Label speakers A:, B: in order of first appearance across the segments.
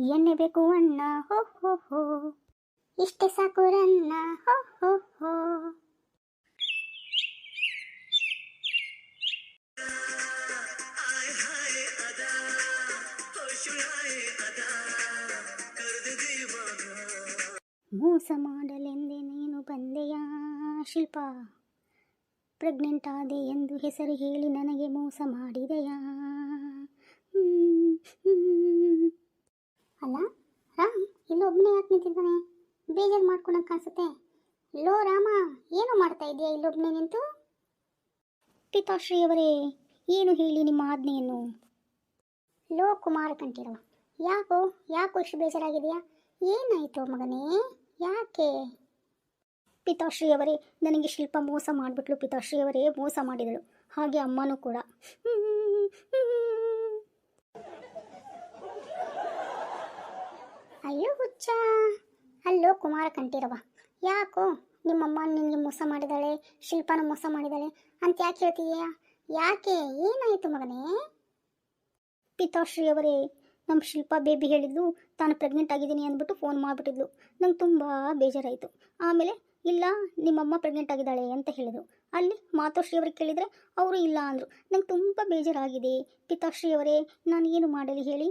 A: ಎಣ್ಣೆ ಬೇಕು ಅಣ್ಣ ಹೋ ಹೋ ಹೋ, ಇಷ್ಟೇ ಸಾಕು ರನ್ನ ಹೋ ಹೋ ಹೋ. ಮೋಸ ಮಾಡಲೆಂದೇ ನೀನು ಬಂದೆಯಾ ಶಿಲ್ಪ, ಪ್ರೆಗ್ನೆಂಟ್ ಆದೆ ಎಂದು ಹೆಸರು ಹೇಳಿ ನನಗೆ ಮೋಸ ಮಾಡಿದೆಯಾ? ಅಲ್ಲ ರಾಮ್ ಇಲ್ಲೊಬ್ಬನೇ ಯಾಕೆ ನಿಂತಿದ್ದಾನೆ? ಬೇಜಾರು ಮಾಡ್ಕೊಳಕ್ ಕಾಣಿಸುತ್ತೆ. ಲೋ ರಾಮ, ಏನು ಮಾಡ್ತಾ ಇದೆಯಾ ಇಲ್ಲೊಬ್ಬನೇ ನಿಂತು? ಪಿತಾಶ್ರೀಯವರೇ, ಏನು ಹೇಳಿ ನಿಮ್ಮ ಆಜ್ಞೆಯನ್ನು? ಲೋ ಕುಮಾರ ಕಂಠೀರವ, ಯಾಕೋ ಇಷ್ಟು ಬೇಜಾರಾಗಿದೆಯಾ? ಏನಾಯಿತು ಮಗನೇ, ಯಾಕೆ? ಪಿತಾಶ್ರೀಯವರೇ, ನನಗೆ ಶಿಲ್ಪ ಮೋಸ ಮಾಡಿಬಿಟ್ಲು ಪಿತಾಶ್ರೀಯವರೇ, ಮೋಸ ಮಾಡಿದಳು. ಹಾಗೆ ಅಮ್ಮನೂ ಕೂಡ. ಅಯ್ಯೋ ಹುಚ್ಚ. ಅಲ್ಲೋ ಕುಮಾರ ಕಂಠೀರವ, ಯಾಕೋ ನಿಮ್ಮಮ್ಮ ನಿನಗೆ ಮೋಸ ಮಾಡಿದಾಳೆ, ಶಿಲ್ಪನ ಮೋಸ ಮಾಡಿದಾಳೆ ಅಂತ ಯಾಕೆ ಹೇಳ್ತೀಯಾ? ಯಾಕೆ, ಏನಾಯಿತು ಮಗನೇ? ಪಿತಾಶ್ರೀಯವರೇ, ನಮ್ಮ ಶಿಲ್ಪ ಬೇಬಿ ಹೇಳಿದ್ಲು ತಾನು ಪ್ರೆಗ್ನೆಂಟ್ ಆಗಿದ್ದೀನಿ ಅಂದ್ಬಿಟ್ಟು ಫೋನ್ ಮಾಡಿಬಿಟ್ಟಿದ್ಲು. ನಂಗೆ ತುಂಬ ಬೇಜಾರಾಯಿತು. ಆಮೇಲೆ ಇಲ್ಲ ನಿಮ್ಮಮ್ಮ ಪ್ರೆಗ್ನೆಂಟ್ ಆಗಿದ್ದಾಳೆ ಅಂತ ಹೇಳಿದರು. ಅಲ್ಲಿ ಮಾತೋಶ್ರೀಯವ್ರಿಗೆ ಕೇಳಿದರೆ ಅವರು ಇಲ್ಲ ಅಂದರು. ನಂಗೆ ತುಂಬ ಬೇಜಾರಾಗಿದೆ ಪಿತಾಶ್ರೀಯವರೇ, ನಾನು ಏನು ಮಾಡಲಿ ಹೇಳಿ?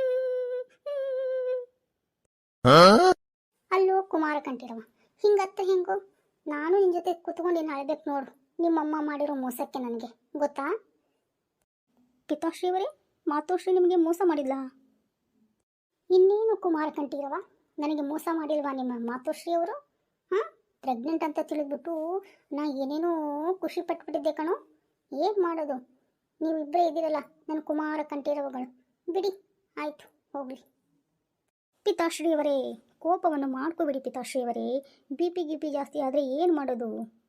A: ಅಲ್ಲೋ ಕುಮಾರ ಕಂಠೀರವ, ಹಿಂಗತ್ತ ಹೆಂಗೋ? ನಾನು ನಿನ್ನ ಜೊತೆ ಕೂತ್ಕೊಂಡು ಏನು ಅಳಬೇಕು ನೋಡು, ನಿಮ್ಮಮ್ಮ ಮಾಡಿರೋ ಮೋಸಕ್ಕೆ ನನಗೆ ಗೊತ್ತಾ? ಪಿತಾಶ್ರೀಯವರೇ, ಮಾತೋಶ್ರೀ ನಿಮಗೆ ಮೋಸ ಮಾಡಿಲ್ಲ? ಇನ್ನೇನು ಕುಮಾರ ಕಂಠೀರವ, ನನಗೆ ಮೋಸ ಮಾಡಿಲ್ವಾ ನಿಮ್ಮ ಮಾತೋಶ್ರೀಯವರು? ಹಾಂ, ಪ್ರೆಗ್ನೆಂಟ್ ಅಂತ ತಿಳಿದ್ಬಿಟ್ಟು ನಾ ಏನೇನೋ ಖುಷಿ ಪಟ್ಬಿಟ್ಟಿದ್ದೆ ಕಣೋ. ಏನು ಮಾಡೋದು, ನೀವಿಬ್ಬರೇ ಇದ್ದೀರಲ್ಲ ನನ್ನ ಕುಮಾರ ಕಂಠೀರವಗಳು. ಬಿಡಿ, ಆಯಿತು ಹೋಗಲಿ. ಪಿತಾಶ್ರೀಯವರೇ, ಕೋಪವನ್ನು ಮಾಡ್ಕೋಬಿಡಿ ಪಿತಾಶ್ರೀಯವರೇ. ಬಿ ಪಿ ಜಾಸ್ತಿ ಆದರೆ ಏನು ಮಾಡೋದು?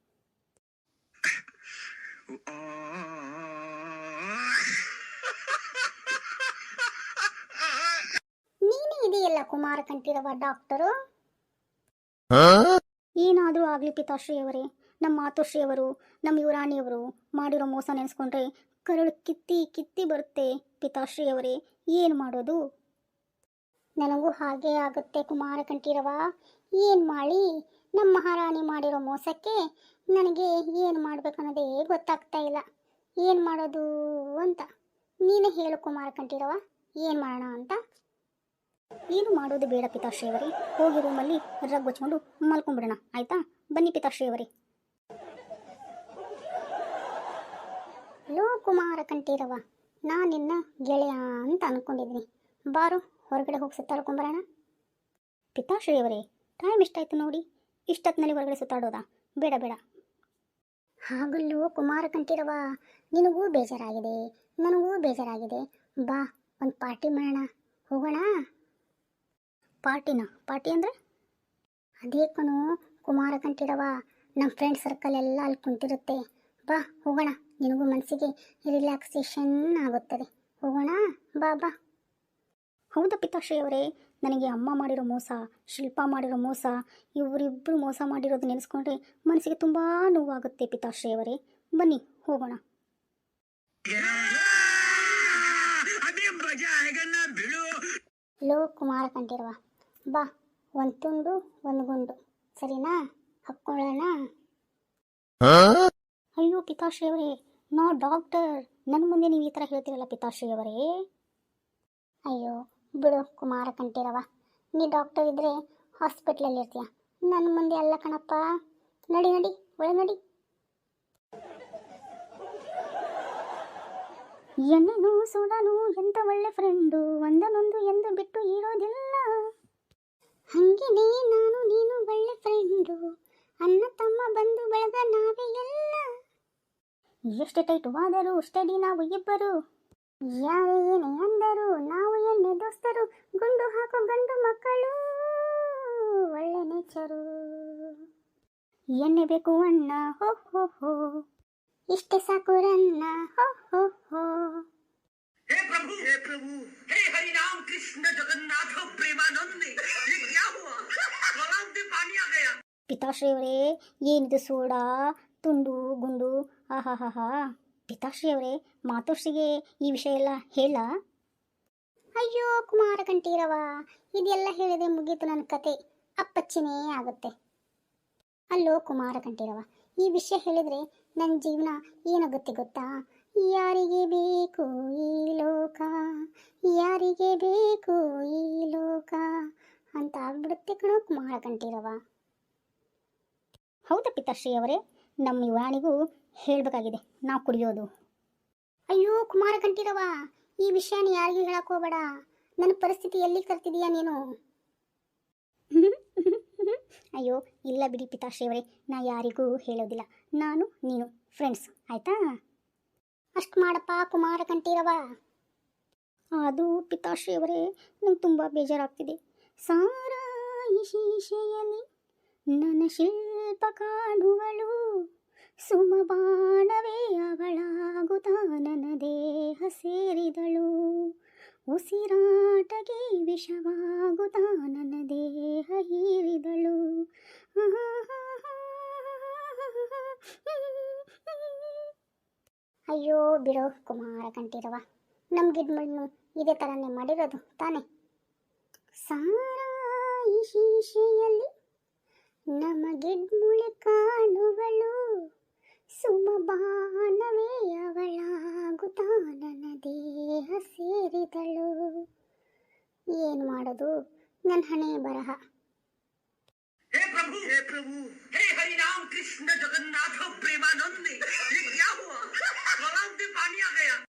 A: ನೀನೇ ಇದೆಯಲ್ಲ ಕುಮಾರ ಕಂಠೀರವ ಡಾಕ್ಟರು. ಏನಾದರೂ ಆಗಲಿ ಪಿತಾಶ್ರೀಯವರೇ, ನಮ್ಮ ಮಾತೋಶ್ರೀಯವರು, ನಮ್ಮ ಯುವರಾಣಿಯವರು ಮಾಡಿರೋ ಮೋಸ ನೆನೆಸ್ಕೊಂಡ್ರೆ ಕರಳು ಕಿತ್ತಿ ಕಿತ್ತಿ ಬರುತ್ತೆ ಪಿತಾಶ್ರೀಯವರೇ. ಏನು ಮಾಡೋದು? ನನಗೂ ಹಾಗೇ ಆಗುತ್ತೆ ಕುಮಾರ ಕಂಠೀರವ. ಏನು ಮಾಡಿ, ನಮ್ಮ ಮಹಾರಾಣಿ ಮಾಡಿರೋ ಮೋಸಕ್ಕೆ ನನಗೆ ಏನು ಮಾಡಬೇಕನ್ನೋದೇ ಗೊತ್ತಾಗ್ತಾ ಇಲ್ಲ. ಏನು ಮಾಡೋದು ಅಂತ ನೀನೇ ಹೇಳು ಕುಮಾರ ಕಂಠೀರವ, ಏನು ಮಾಡೋಣ ಅಂತ? ಏನು ಮಾಡೋದು ಬೇಡ ಪಿತಾಶ್ರೀಯವರೇ, ಹೋಗಿ ರೂಮಲ್ಲಿ ರಗ್ ಗೊಚ್ಕೊಂಡು ಮಲ್ಕೊಂಡ್ಬಿಡೋಣ, ಆಯಿತಾ? ಬನ್ನಿ ಪಿತಾಶ್ರೀಯವರೇ. ಲೋ ಕುಮಾರ ಕಂಠೀರವ, ನಾನು ನಿನ್ನ ಗೆಳೆಯ ಅಂತ ಅಂದ್ಕೊಂಡಿದ್ದೀನಿ. ಬಾರು ಹೊರಗಡೆ ಹೋಗಿ ಸುತ್ತಾಡ್ಕೊಂಬರೋಣ. ಪಿತಾಶ್ರೀಯವರೇ, ಟೈಮ್ ಎಷ್ಟಾಯ್ತು ನೋಡಿ, ಇಷ್ಟೊತ್ತಿನಲ್ಲಿ ಹೊರಗಡೆ ಸುತ್ತಾಡೋದಾ? ಬೇಡ ಬೇಡ. ಹಾಗಲ್ಲೋ ಕುಮಾರ ಕಂಠೀರವ, ನಿನಗೂ ಬೇಜಾರಾಗಿದೆ, ನನಗೂ ಬೇಜಾರಾಗಿದೆ. ಬಾ, ಒಂದು ಪಾರ್ಟಿ ಮಾಡೋಣ, ಹೋಗೋಣ. ಪಾರ್ಟಿ ಅಂದರೆ? ಅದೇ ಕಣೋ ಕುಮಾರ ಕಂಠೀರವ, ನಮ್ಮ ಫ್ರೆಂಡ್ ಸರ್ಕಲ್ ಎಲ್ಲ ಅಲ್ಲಿ ಕುಂತಿರುತ್ತೆ. ಬಾ ಹೋಗೋಣ, ನಿನಗೂ ಮನಸ್ಸಿಗೆ ರಿಲ್ಯಾಕ್ಸೇಷನ್ ಆಗುತ್ತದೆ. ಹೋಗೋಣ, ಬಾ ಬಾ. ಹೌದಾ ಪಿತಾಶ್ರೀಯವರೇ, ನನಗೆ ಅಮ್ಮ ಮಾಡಿರೋ ಮೋಸ, ಶಿಲ್ಪ ಮಾಡಿರೋ ಮೋಸ, ಇವರಿಬ್ಬರು ಮೋಸ ಮಾಡಿರೋದು ನೆನೆಸ್ಕೊಂಡ್ರೆ ಮನಸ್ಸಿಗೆ ತುಂಬ ನೋವಾಗುತ್ತೆ ಪಿತಾಶ್ರೀಯವರೇ. ಬನ್ನಿ ಹೋಗೋಣ. ಲೋ ಕುಮಾರ ಕಂಠೀರವ, ಬಾ, ಒಂದು ತುಂಡು ಒಂದು ಗುಂಡು, ಸರಿನಾ? ಹಾಕ್ಕೊಳ್ಳೋಣ. ಅಯ್ಯೋ ಪಿತಾಶ್ರೀಯವರೇ, ನಾ ಡಾಕ್ಟರ್, ನನ್ನ ಮುಂದೆ ನೀವು ಈ ಥರ ಹೇಳ್ತೀರಲ್ಲ ಪಿತಾಶ್ರೀಯವರೇ. ಅಯ್ಯೋ ಬಿಡು ಕುಮಾರ ಕಂಠೀರವ, ನೀ ಡಾಕ್ಟರ್ ಇದ್ದರೆ ಹಾಸ್ಪಿಟ್ಲಲ್ಲಿ ಇರ್ತೀಯ, ನನ್ನ ಮುಂದೆ ಅಲ್ಲ ಕಣಪ್ಪ. ನಡಿ ನಡಿ, ಒಳಗೆ ನಡಿ. ಎಣ್ಣೆನು ಸೋಡಾನು ಎಂತ ಒಳ್ಳೆ ಫ್ರೆಂಡು, ಒಂದನೊಂದು ಎಂದು ಬಿಟ್ಟು ಇರೋದಿಲ್ಲ. ಹಂಗೇನೆ ನಾನು ನೀನು ಒಳ್ಳೆ ಫ್ರೆಂಡು, ಅಣ್ಣ ತಮ್ಮ ಬಂದು ಬೆಳೆದ ನಾವೇ ಎಲ್ಲ. ಎಷ್ಟು ಟೈಟುವಾದರೂ ಸ್ಟಡಿ ನಾವು ಇಬ್ಬರು, ಯಾರೇ ಏನೇ ಅಂದರು ನಾವು ಎಣ್ಣೆ ದೋಸ್ತರು, ಗುಂಡು ಹಾಕೋ ಗಂಡು ಮಕ್ಕಳು ಒಳ್ಳೆ ನೇಚರು. ಎಣ್ಣೆ ಬೇಕು ಅಣ್ಣ ಹೋ ಹೋ ಹೋ, ಇಷ್ಟೇ ಸಾಕು ರನ್ನ ಹೋ ಹೋ ಹೋ.
B: हे प्रभु हे हरि राम कृष्ण जगन्नाथ प्रेमानंद, ये क्या हुआ? गलाव में पानी आ गया.
A: ಪಿತಾಶ್ರೀಯವರೇ, ಏನಿದು ಸೋಡಾ ತುಂಡು ಗುಂಡು? ಆಹಾಹಾಹಾ. ಪಿತಾಶ್ರೀಯವರೇ, ಮಾತೋಶ್ರೀಗೆ ಈ ವಿಷಯ ಎಲ್ಲ ಹೇಳ? ಅಯ್ಯೋ ಕುಮಾರ ಕಂಠೀರವ, ಇದೆಲ್ಲ ಹೇಳಿದೆ ಮುಗೀತು ನನ್ನ ಕತೆ, ಅಪ್ಪಚ್ಚಿನೇ ಆಗುತ್ತೆ. ಅಲ್ಲೋ ಕುಮಾರ ಕಂಠೀರವ, ಈ ವಿಷಯ ಹೇಳಿದರೆ ನನ್ನ ಜೀವನ ಏನಾಗುತ್ತೆ ಗೊತ್ತಾ? ಯಾರಿಗೆ ಬೇಕು ಈ ಲೋಕ, ಯಾರಿಗೆ ಬೇಕು ಈ ಲೋಕ ಅಂತ ಆಗ್ಬಿಡುತ್ತೆ ಕಣೋ ಕುಮಾರ ಕಂಠೀರವ. ಹೌದಾ ಪಿತಾಶ್ರೀ ಅವರೇ, ನಮ್ಮ ಯುವರಾಣಿಗೂ ಹೇಳಬೇಕಾಗಿದೆ ನಾವು ಕುಡಿಯೋದು. ಅಯ್ಯೋ ಕುಮಾರ ಕಂಠೀರವ, ಈ ವಿಷಯನ ಯಾರಿಗೂ ಹೇಳಕ್ ಹೋಗಬೇಡ. ನನ್ನ ಪರಿಸ್ಥಿತಿ ಎಲ್ಲಿ ಕರ್ತಿದೀಯಾ ನೀನು? ಅಯ್ಯೋ ಇಲ್ಲ ಬಿಡಿ ಪಿತಾಶ್ರೀ ಅವರೇ, ನಾ ಯಾರಿಗೂ ಹೇಳೋದಿಲ್ಲ, ನಾನು ನೀನು ಫ್ರೆಂಡ್ಸ್ ಆಯ್ತಾ? ಅಷ್ಟು ಮಾಡಪ್ಪ ಕುಮಾರ ಕಂಠೀರವ. ಅದು ಪಿತಾಶ್ರೀ ಅವರೇ, ನಂಗೆ ತುಂಬ ಬೇಜಾರಾಗ್ತಿದೆ. ಸಾರಾಯಿ ಶೀಶೆಯಲ್ಲಿ ನನ್ನ ಶಿಲ್ಪ ಕಾಣುವಳು, ಸುಮಬಾಣವೇ ಅವಳಾಗುತ್ತಾ ನನ್ನ ದೇಹ ಸೇರಿದಳು, ಉಸಿರಾಟಗೆ ವಿಷವಾಗುತ್ತಾ ನನ್ನ ದೇಹ ಹೀರಿದಳು. ಅಯ್ಯೋ ಬಿಡೋ ಕುಮಾರ ಕಂಠೀರವ, ನಮ್ಮ ಗಿಡ್ಮಣ್ಣು ಇದೇ ಥರನೇ ಮಾಡಿರೋದು ತಾನೆ. ಸಾರಾಯಿ ಶೀಶೆಯಲ್ಲಿ ನಮ್ಮ ಗಿಡ್ಮುಳೆ ಕಾಣುವಳು, ಸುಮಬಾಣವೇ ಅವಳಾಗುತ್ತಾ ನನ್ನ ದೇಹ ಸೇರಿದಳು. ಏನು ಮಾಡೋದು, ನನ್ನ ಹಣೆ ಬರಹ.
B: हे प्रभु, हे हरि राम कृष्ण जगन्नाथ प्रेमानंद, ये क्या हुआ? गलाव में पानी आ गया।